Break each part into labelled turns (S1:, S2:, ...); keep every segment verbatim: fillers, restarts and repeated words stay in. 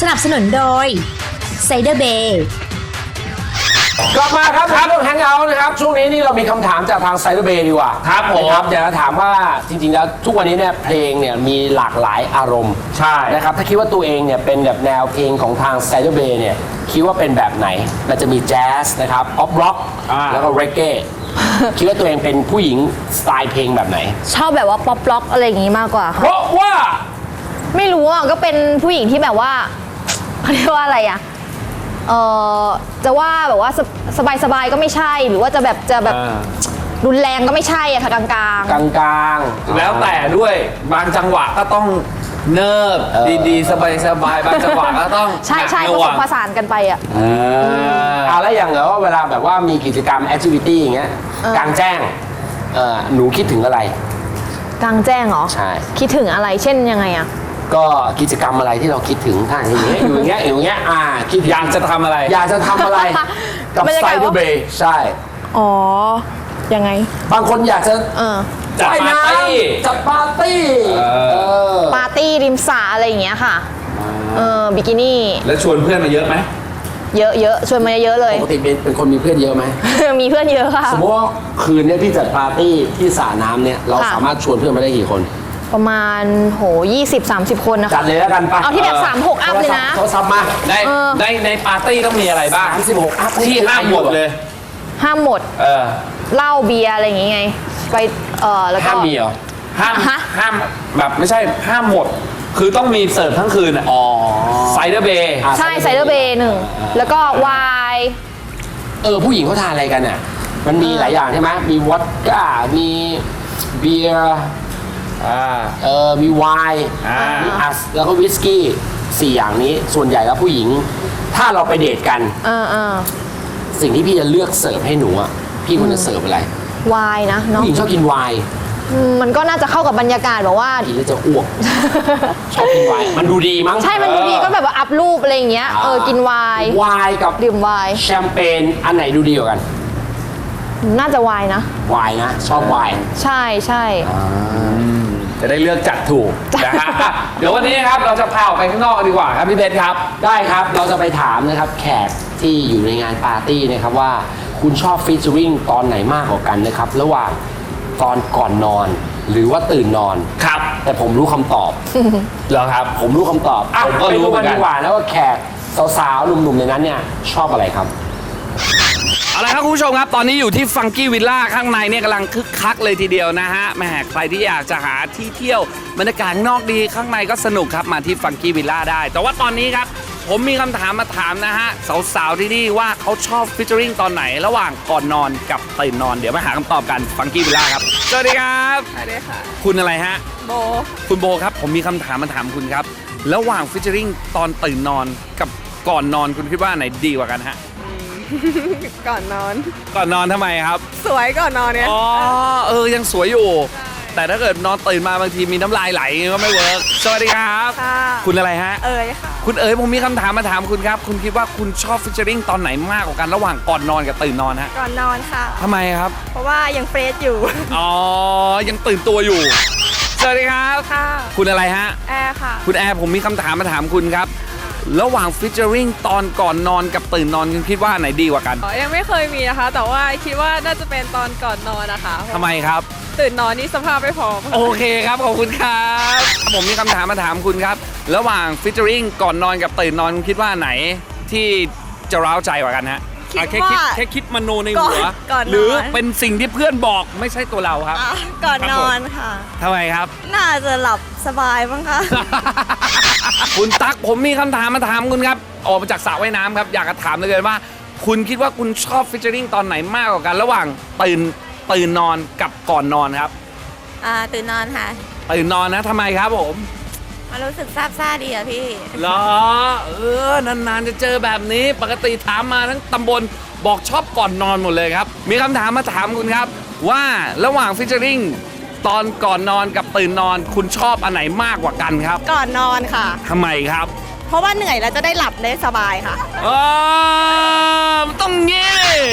S1: นับสนุนโดยไซเดอร์เบย์
S2: กลับมาครับครับแฮงเอาท์นะครับช่วงนี้นี่เรามีคำถามจากทางไซเดอร์เบย์ดีกว่าครับผมครับอยากจะถามว่าจริงๆแล้วทุกวันนี้เนี่ยเพลงเนี่ยมีหลากหลายอารมณ์ใช่นะครับถ้าคิดว่าตัวเองเนี่ยเป็นแบบแนวเพลงของทางไซเดอร์เบย์เนี่ยคิดว่าเป็นแบบไหนมันจะมีแจ๊สนะครับออฟร็อกแล้วก็เรเก้คิดว่าตัวเองเป็นผู้หญิงสไตล์เพลงแบบไหน
S3: ชอบแบบว่าป๊อปล็อกอะไรอย่างงี้มากกว่า
S2: เพราะว่า
S3: ไม่รู้อ่ะก็เป็นผู้หญิงที่แบบว่าเขาเรียกว่าอะไรอ่ะเออจะว่าแบบว่าสบายสบายก็ไม่ใช่หรือว่าจะแบบจะแบบรุนแรงก็ไม่ใช่อะค่ะกลางกลาง
S2: กลางกลาง
S4: แล้วแต่ด้วยบางจังหวะก็ต้องเนิบดีๆสบายๆบางจังหวะก็ต้อง
S3: ใช่ใช่ผสมผสานกันไปอ่ะ
S2: อ่าแล้วอย่างเหรอว่าเวลาแบบว่ามีกิจกรรมแอคทิวิตี้อย่างเงี้ยกลางแจ้งหนูคิดถึงอะไร
S3: กลางแจ้งเหรอ
S2: ใช่
S3: คิดถึงอะไรเช่นยังไงอ่ะ
S2: ก็กิจกรรมอะไรที่เราคิดถึงถ้าอย่างเงี้ยอยู่อย่างเงี้ยอยู่อย่างเงี้ยอ่าคิด
S4: อยากจะทำอะไร
S2: อยากจะทำอะไรกับไซเดอร์เบย์ใช่
S3: อ๋อยังไง
S2: บางคนอยากจะ
S4: จัดปาร์ตี้
S2: จัดปาร์ตี้
S3: ปาร์ตี้ริมสระอะไรอย่างเงี้ยค่ะเออบิกินี่
S4: แล้วชวนเพื่อนมาเยอะไหม
S3: เยอะเยอะชวนมาเยอะเลย
S2: ปกติเป็นเป็นคนมีเพื่อนเยอะไหม
S3: มีเพื่อนเยอะค่ะ
S2: สมมติว่าคืนนี้พี่จัดปาร์ตี้ที่สระน้ำเนี่ยเราสามารถชวนเพื่อนมาได้กี่คน
S3: ประมาณโหยี่สิบสามสิบคนนะคะ
S2: จัดเลยแล้วกันไป
S3: เอาที่แบบสามหกอัพเลยนะ
S2: โทรศัพท์มา
S4: ในในในปาร์ตี้ต้องมีอะไรบ้าง
S2: สามสิบหกอัพ
S4: ที่ห้ามหมดเลย
S3: ห้ามหมด
S4: เออ
S3: เหล้าเบียร์อะไรอย่างงี้ไงไปเออแล้วก็
S4: ห้ามมีเหรอห้ามห้ามแบบไม่ใช่ห้ามหมดคือต้องมีเสิร์ฟทั้งคืนอ่ะอ๋อไซเดอร์เบย์
S3: ใช่ไซเดอร์เบย์หนึ่งแล้วก็ไวน์
S2: เออผู้หญิงเขาทานอะไรกันเนี่ยมันมีหลายอย่างใช่ไหมมีวอดก้ามีเบียร์เออมีไวน์มีอัสแล้วก็วิสกี้สี่อย่างนี้ส่วนใหญ่แล้วผู้หญิงถ้าเราไปเดทกันสิ่งที่พี่จะเลือกเสิร์ฟให้หนูอ่ะพี่ควรจะเสิร์ฟอะไร
S3: ไวน์นะ
S2: ผู้หญิงชอบกินไวน์
S3: มันก็น่าจะเข้ากับบรรยากาศแบบว่า
S2: กินแล้วจะอ้วกชอบกินไวน์มันดูดีมั้ง
S3: ใช่มันดูดีก็แบบว่าอัพรูปอะไรอย่างเงี้ยเออกินไวน์
S2: ไวน์กับ
S3: ดื่มไวน์
S2: แชมเปญอันไหนดูดีกว่ากัน
S3: น่าจะไวน์นะ
S2: ไวน์นะชอบไวน์
S3: ใช่ใช่
S4: จะได้เลือกจัดถูกนะฮะเดี๋ยววันนี้ครับเราจะพาออกไปข้างนอกดีกว่าครับพี่เพชรครับ
S2: ได้ครับเราจะไปถามนะครับแขกที่อยู่ในงานปาร์ตี้นะครับว่าคุณชอบฟีเจอริ่งตอนไหนมากกว่ากันนะครับระหว่างตอนก่อนนอนหรือว่าตื่นนอน
S4: ครับ
S2: แต่ผมรู้คำตอบ
S4: เหรอครับ
S2: ผมรู้คำตอบ
S4: ผมก็รู้เหมือนกัน
S2: ดีกว่าแล้วว่าแขกสาวๆหนุ่มๆในนั้นเนี่ยชอบอะไรครับ
S4: เอาละครับคุณผู้ชมครับตอนนี้อยู่ที่ฟังกี้วิลล่าข้างในเนี่ยกำลังคึกคักเลยทีเดียวนะฮะแหมใครที่อยากจะหาที่เที่ยวบรรยากาศนอกดีข้างในก็สนุกครับมาที่ฟังกี้วิลล่าได้แต่ว่าตอนนี้ครับผมมีคำถามมาถามนะฮะสาวๆที่นี่ว่าเขาชอบฟิชเชอริงตอนไหนระหว่างก่อนนอนกับตื่นนอนเดี๋ยวมาหาคำตอบกันฟังกี้วิลล่าครับสวัสดีครับ
S5: สวัสดีค่ะ
S4: คุณอะไรฮะ
S5: โบ
S4: คุณโบครับผมมีคำถามมาถามคุณครับระหว่างฟิชเชอริงตอนตื่นนอนกับก่อนนอนคุณคิดว่าไหนดีกว่ากันฮะ
S5: ก่อนนอน
S4: ก่อนนอนทำไมครับ
S5: สวยก่อนนอนเนี่ย
S4: อ๋อเออยังสวยอยู่แต่ถ้าเกิดนอนตื่นมาบางทีมีน้ำลายไหลก็ไม่เวิร์กสวัสดีครับคุณอะไรฮะ
S5: เอ๋ยค่ะ
S4: คุณเอ๋ยผมมีคำถามมาถามคุณครับคุณคิดว่าคุณชอบฟิชเชอริงตอนไหนมากกว่ากันระหว่างก่อนนอนกับตื่นนอนฮะ
S5: ก่อนนอนค่ะ
S4: ทำไมครับ
S5: เพราะว่ายังเฟรชอยู่
S4: อ๋อยังตื่นตัวอยู่สวัสดีครับ
S5: ค่ะ
S4: คุณอะไรฮะ
S5: แอร์ค่ะ
S4: คุณแอร์ผมมีคำถามมาถามคุณครับระหว่างฟิชเชอริงตอนก่อนนอนกับตื่นนอนคุณคิดว่าไหนดีกว่ากัน
S5: ยังไม่เคยมีนะคะแต่ว่าคิดว่าน่าจะเป็นตอนก่อนนอนนะคะ
S4: ทำไมครับ
S5: ตื่นนอนนี่สภาพไม่พร้อม
S4: โอเคครับขอบคุณครับผมมีคำถามมาถามคุณครับระหว่างฟิชเชอริงก่อนนอนกับตื่นนอนคุณคิดว่าไหนที่จะร้าวใจกว่ากันฮะแค่คิดแค่คิดมโนในหัวหรือเป็นสิ่งที่เพื่อนบอกไม่ใช่ตัวเราครับ
S5: ก่อนนอนค่ะ
S4: ทำไมครับ
S5: น่าจะหลับสบายบ้างคะ
S4: คุณตั๊กผมมีคำถามมาถามคุณครับออกมาจากสระว่ายน้ำครับอยากจะถามเลยว่าคุณคิดว่าคุณชอบฟิชเชอริงตอนไหนมากกว่ากันระหว่างตื่นตื่นนอนกับก่อนนอนครับ
S5: อ่าตื่นนอนค่ะ
S4: ตื่นนอนนะทำไมครับผม
S5: มันรู้สึกซาบซ่าดีอะพี่
S4: เหรอเออนานๆจะเจอแบบนี้ปกติถามมาทั้งตำบลบอกชอบก่อนนอนหมดเลยครับมีคำถามมาถามคุณครับว่าระหว่างฟิชเชอริงตอนก่อนนอนกับตื่นนอนคุณชอบอันไหนมากกว่ากันครับ
S5: ก่อนนอนค่ะ
S4: ทำไมครับ
S5: เพราะว่าเหนื่อยแล้วจะได้หลับได้สบายค่ะ
S4: เออมันต้องงี้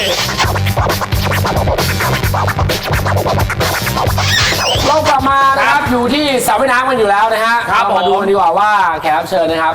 S2: เรากลับมานะครับอยู่ที่สระว่ายน้ำกันอยู่แล้วนะฮะเรามาดูกันดีกว่าว่าแขกรับเชิญนะครับ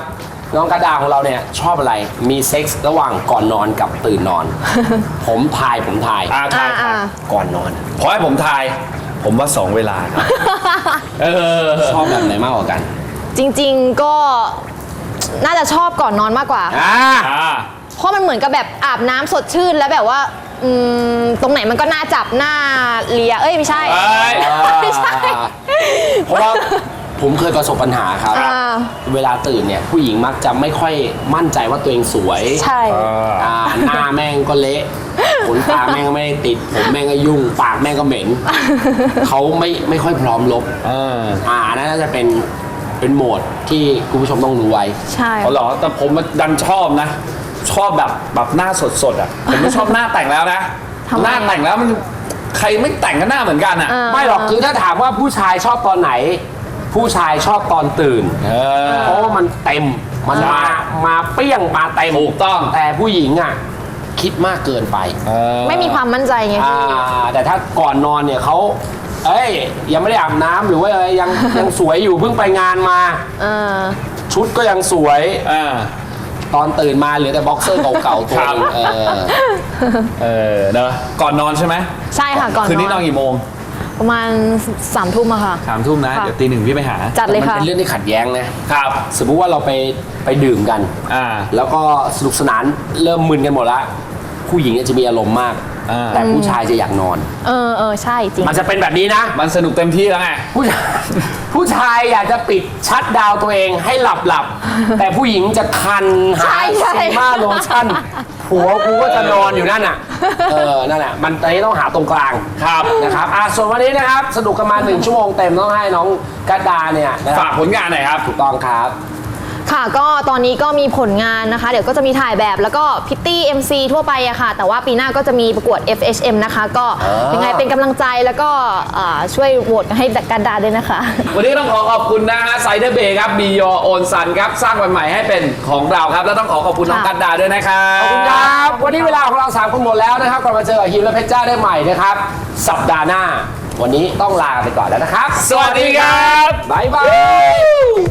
S2: น้องกระดาของเราเนี่ยชอบอะไรมีเซ็กส์ระหว่างก่อนนอนกับตื่นนอน ผมทายผมทาย
S4: อ่าทาย
S3: อ่า
S4: ทาย
S2: ก่อนนอน
S4: ขอให้ผมทาย ผมว่าสองเวลาครับ เออ
S2: ชอบแบบไหนมากกว่ากัน
S3: จริงๆก็น่าจะชอบก่อนนอนมากกว่า
S2: อ่า
S4: อ่า
S3: เพราะมันเหมือนกับแบบอาบน้ำสดชื่นแล้วแบบว่าอืมตรงไหนมันก็น่าจับหน้าเลียเอ้ยไม่ใช่
S4: เอ้ย
S3: ไม่ใช่
S2: เพราะว่าผมเคยประสบปัญหาครับ
S3: อ่า
S2: เวลาตื่นเนี่ยผู้หญิงมักจะไม่ค่อยมั่นใจว่าตัวเองสวย
S3: ใช่
S2: อ่าหน้าแม่งก็เละขนตาแม่งก็ไม่ได้ติด ผมแม่งก็ยุ่ง ปากแม่งก็เหม็น เขาไม่ไม่ค่อยพร้อมลบ
S4: เออ
S2: อ่านั่นน่าจะเป็นเป็นโหมดที่คุณผู้ชมต้องรู้ไว้
S3: ใช่
S4: เอาเหรอแต่ผมดันชอบนะ ชอบแบบแบบหน้าสดๆอ่ะ ผมไม่ชอบหน้าแต่งแล้วนะ
S3: ทำไม
S4: หน้าแต่งแล้วมันใครไม่แต่งก็หน้าเหมือนกันอ่ะ
S3: อ่า
S2: ไม่หรอกคือถ้าถามว่าผู้ชายชอบตอนไหน ผู้ชายชอบตอนตื่น
S4: เออ
S2: เพราะว่ามันเต็ม มัน
S4: ใช่
S2: มามาเปรี้ยงมาเต็ม
S4: ถูกต้อง
S2: แต่ผู้หญิงอ่ะคิดมากเกินไป
S4: เออ
S3: ไม่มีความมั่นใจไง
S2: อ่า
S3: พี่
S2: แต่ถ้าก่อนนอนเนี่ยเขาเอ้ยยังไม่ได้อาบน้ำหรือว่าอะไรยังยังสวยอยู่เพิ่งไปงานมา
S3: เออ
S2: ชุดก็ยังสวย
S4: อ่า
S2: ตอนตื่นมาเหลือแต่บ็อกเซอร์เก่าๆตัวหนึง
S4: ครับ
S2: เออ
S4: เออเนอะก่อนนอนใช่ไหม
S3: ใช่ค่ะก่อน
S4: คืนนี้น
S3: น
S4: อ
S3: อน น
S4: กี่โมง
S3: ประมาณสามทุ่มอะค่ะ
S4: สามทุ่มนะ
S3: ค่ะ
S4: เดี๋ยวตีหนึ่งพี่ไปหา
S3: จัดเลย
S2: มัน
S3: ค่ะ
S2: เป็นเรื่องที่ขัดแย้งนะครับ สมมุติว่าเราไปไปดื่มกัน
S4: อ่า
S2: แล้วก็สนุกสนานเริ่มมึนกันหมดละผู้หญิงเนี่ยจะมีอารมณ์มาก
S4: อ่า
S2: แต่ผู้ชายจะอยากนอน
S3: เออเออใช่จริง
S2: มันจะเป็นแบบนี้นะ
S4: มันสนุกเต็มที่แล้วไง
S2: ผู้ชายผู้ชายอยากจะปิดชัดดาวน์ตัวเองให้หลับหลับ แต่ผู้หญิงจะคันหา
S3: ใช่ใช่
S2: ซีมาโลชั่นผัวกูก็จะนอนอยู่นั่นน่ะ เออ นั่นแหละมันตอนนี้ต้องหาตรงกลาง
S4: ครับ
S2: นะครับอ่ะส่วนวันนี้นะครับ สนุกกันมาหนึ่งชั่วโมงเต็มต้องให้น้องกัดดาเนี่ยนะค
S4: ฝา
S2: รั
S4: ก
S2: บ
S4: ผลงานหน่อยครับ
S2: ถูกต้องครับ
S3: ค่ะก็ตอนนี้ก็มีผลงานนะคะ เดี๋ยวก็จะมีถ่ายแบบแล้วก็พิตตี้ เอ็ม ซี ทั่วไปอะค่ะ แต่ว่าปีหน้าก็จะมีประกวด เอฟ เอช เอ็ม นะคะ ก็
S2: อ่ายั
S3: ยังไงเป็นกำลังใจแล้วก็อ่าช่วยโหวตให้กันดาด้วยนะคะ
S4: วันนี้ต้องขอขอบคุณนะฮะไซเดอร์เบย์ครับบียอโอนซันครับสร้างวันใหม่ให้เป็นของเราครับ แล้วต้องขอขอบคุณน้อง
S3: ค่ะ
S4: กันดาด้วยนะครับ
S2: ขอบคุณครับ วันนี้เวลาของเราสามคนหมดแล้วนะครับกลับมาเจอกับฮิมและเพชรจ้าได้ใหม่นะครับ สัปดาห์หน้า วันนี้ต้องลาไปก่อนแล้วนะครับ
S4: สวัสดีครับ
S2: บ๊ายบาย